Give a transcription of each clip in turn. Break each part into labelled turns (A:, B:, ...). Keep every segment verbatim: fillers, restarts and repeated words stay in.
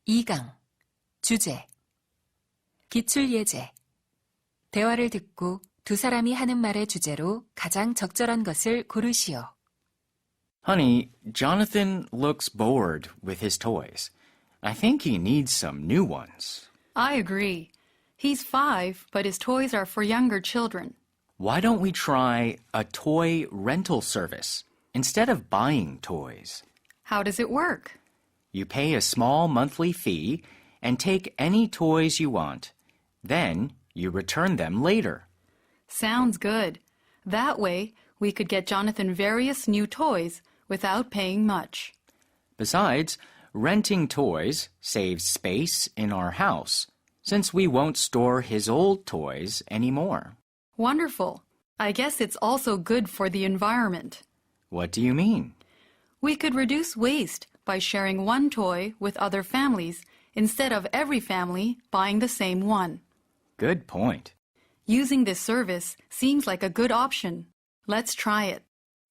A: 이 강 주제 기출예제 대화를 듣고 두 사람이 하는 말의 주제로 가장 적절한 것을 고르시오.
B: Honey, Jonathan looks bored with his toys. I think he needs some new ones.
C: I agree. He's five, but his toys are for younger children.
B: Why don't we try a toy rental service instead of buying toys?
C: How does it work?
B: You pay a small monthly fee and take any toys you want. Then you return them later.
C: Sounds good. That way, we could get Jonathan various new toys without paying much.
B: Besides, renting toys saves space in our house, since we won't store his old toys anymore.
C: Wonderful. I guess it's also good for the environment.
B: What do you mean?
C: We could reduce waste by sharing one toy with other families instead of every family buying the same one.
B: Good point.
C: Using this service seems like a good option. Let's try it.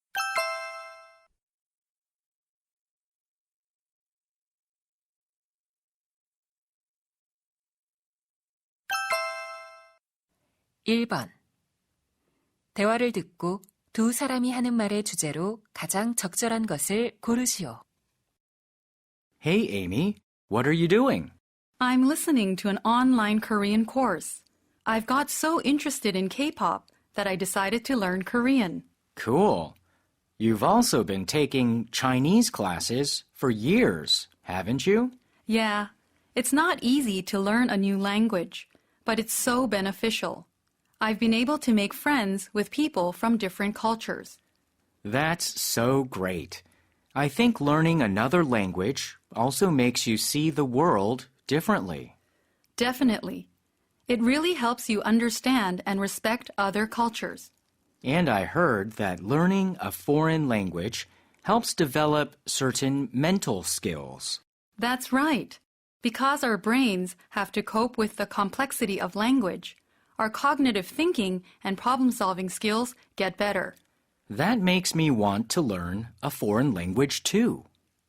A: 일 번 대화를 듣고 두 사람이 하는 말의 주제로 가장 적절한 것을 고르시오.
B: Hey, Amy, what are you doing?
C: I'm listening to an online Korean course. I've got so interested in K-pop that I decided to learn Korean.
B: Cool. You've also been taking Chinese classes for years, haven't you?
C: Yeah, it's not easy to learn a new language, but it's so beneficial. I've been able to make friends with people from different cultures.
B: That's so great. I think learning another language also makes you see the world differently.
C: Definitely. It really helps you understand and respect other cultures.
B: And I heard that learning a foreign language helps develop certain mental skills.
C: That's right. Because our brains have to cope with the complexity of language, our cognitive thinking and problem-solving skills get better.
B: That makes me want to learn a foreign language too.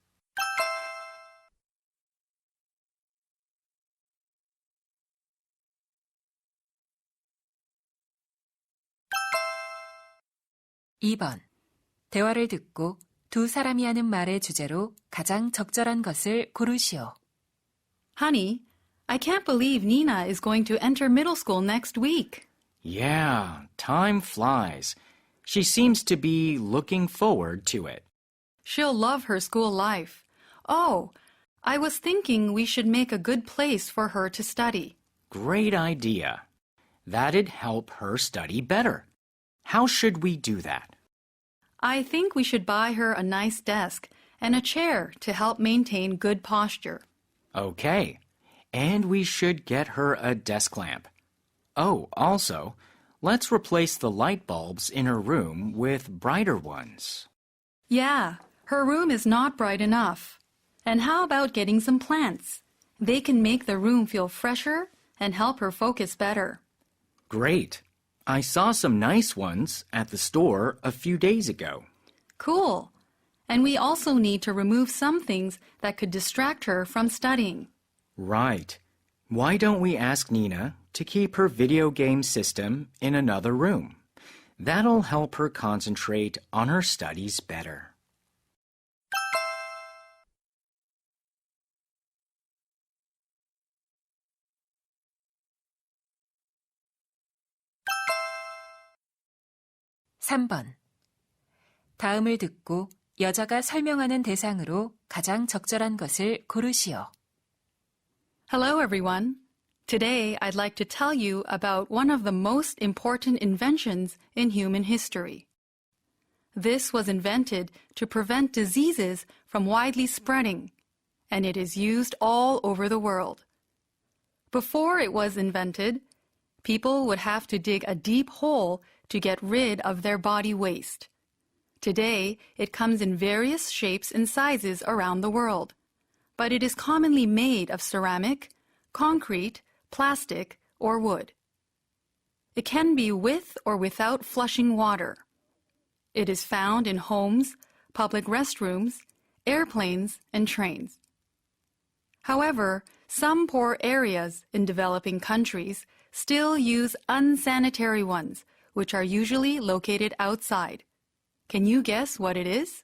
A: 이 번 대화를 듣고 두 사람이 하는 말의 주제로 가장 적절한 것을 고르시오.
C: Honey, I can't believe Nina is going to enter middle school next week.
B: Yeah, time flies. She seems to be looking forward to it.
C: She'll love her school life. Oh, I was thinking we should make a good place for her to study.
B: Great idea. That'd help her study better. How should we do that?
C: I think we should buy her a nice desk and a chair to help maintain good posture.
B: Okay. And we should get her a desk lamp. Oh, also, let's replace the light bulbs in her room with brighter ones.
C: Yeah, her room is not bright enough. And how about getting some plants? They can make the room feel fresher and help her focus better.
B: Great. I saw some nice ones at the store a few days ago.
C: Cool. And we also need to remove some things that could distract her from studying.
B: Right. Why don't we ask Nina to keep her video game system in another room? That'll help her concentrate on her studies better.
A: 삼 번 다음을 듣고 여자가 설명하는 대상으로 가장 적절한 것을 고르시오.
C: Hello, everyone. Today, I'd like to tell you about one of the most important inventions in human history. This was invented to prevent diseases from widely spreading, and it is used all over the world. Before it was invented, people would have to dig a deep hole to get rid of their body waste. Today, it comes in various shapes and sizes around the world, but it is commonly made of ceramic, concrete, plastic, or wood. It can be with or without flushing water. It is found in homes, public restrooms, airplanes, and trains. However, some poor areas in developing countries still use unsanitary ones, which are usually located outside. Can you guess what it is?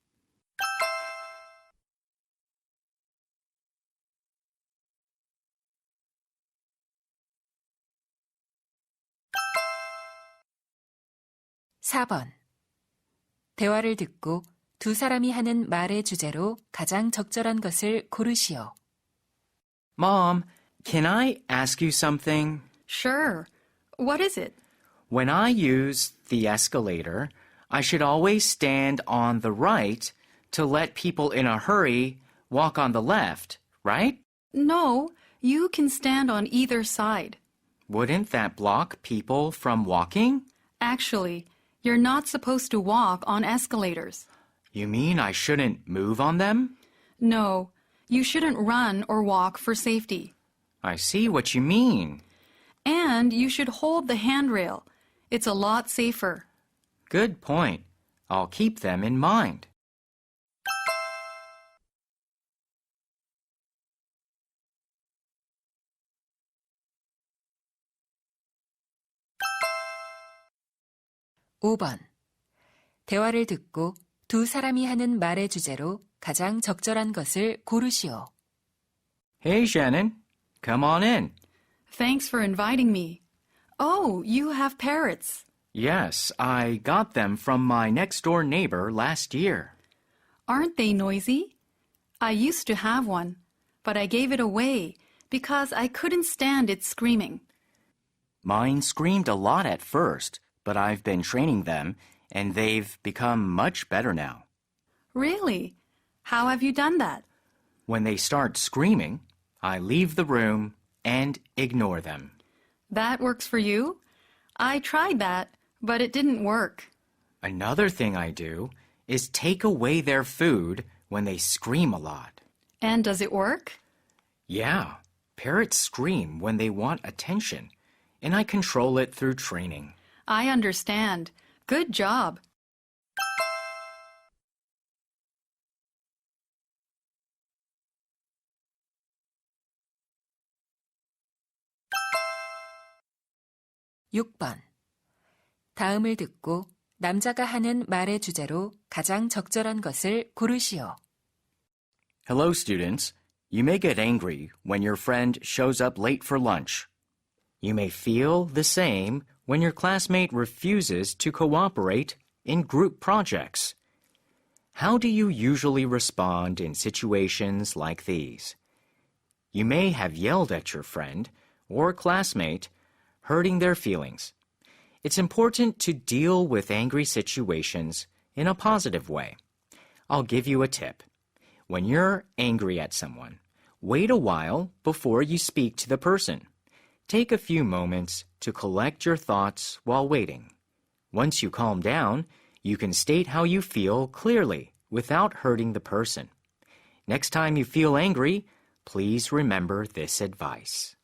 A: 사 번. 대화를 듣고 두 사람이 하는 말의 주제로 가장 적절한 것을 고르시오.
B: Mom, can I ask you something?
C: Sure. What is it?
B: When I use the escalator, I should always stand on the right to let people in a hurry walk on the left, right?
C: No, you can stand on either side.
B: Wouldn't that block people from walking?
C: Actually, you're not supposed to walk on escalators.
B: You mean I shouldn't move on them?
C: No, you shouldn't run or walk for safety.
B: I see what you mean.
C: And you should hold the handrail. It's a lot safer.
B: Good point. I'll keep them in mind.
A: 오 번. 대화를 듣고 두 사람이 하는 말의 주제로 가장 적절한 것을 고르시오.
B: Hey, Shannon. Come on in.
C: Thanks for inviting me. Oh, you have parrots.
B: Yes, I got them from my next-door neighbor last year.
C: Aren't they noisy? I used to have one, but I gave it away because I couldn't stand its screaming.
B: Mine screamed a lot at first, but I've been training them, and they've become much better now.
C: Really? How have you done that?
B: When they start screaming, I leave the room and ignore them.
C: That works for you? I tried that, but it didn't work.
B: Another thing I do is take away their food when they scream a lot.
C: And does it work?
B: Yeah, parrots scream when they want attention, and I control it through training.
C: I understand. Good job.
A: 육 번. 다음을 듣고 남자가 하는 말의 주제로 가장 적절한 것을 고르시오.
B: Hello, students. You may get angry when your friend shows up late for lunch. You may feel the same when your classmate refuses to cooperate in group projects. How do you usually respond in situations like these? You may have yelled at your friend or classmate, hurting their feelings. It's important to deal with angry situations in a positive way. I'll give you a tip. When you're angry at someone, wait a while before you speak to the person. Take a few moments to collect your thoughts while waiting. Once you calm down, you can state how you feel clearly without hurting the person. Next time you feel angry, please remember this advice.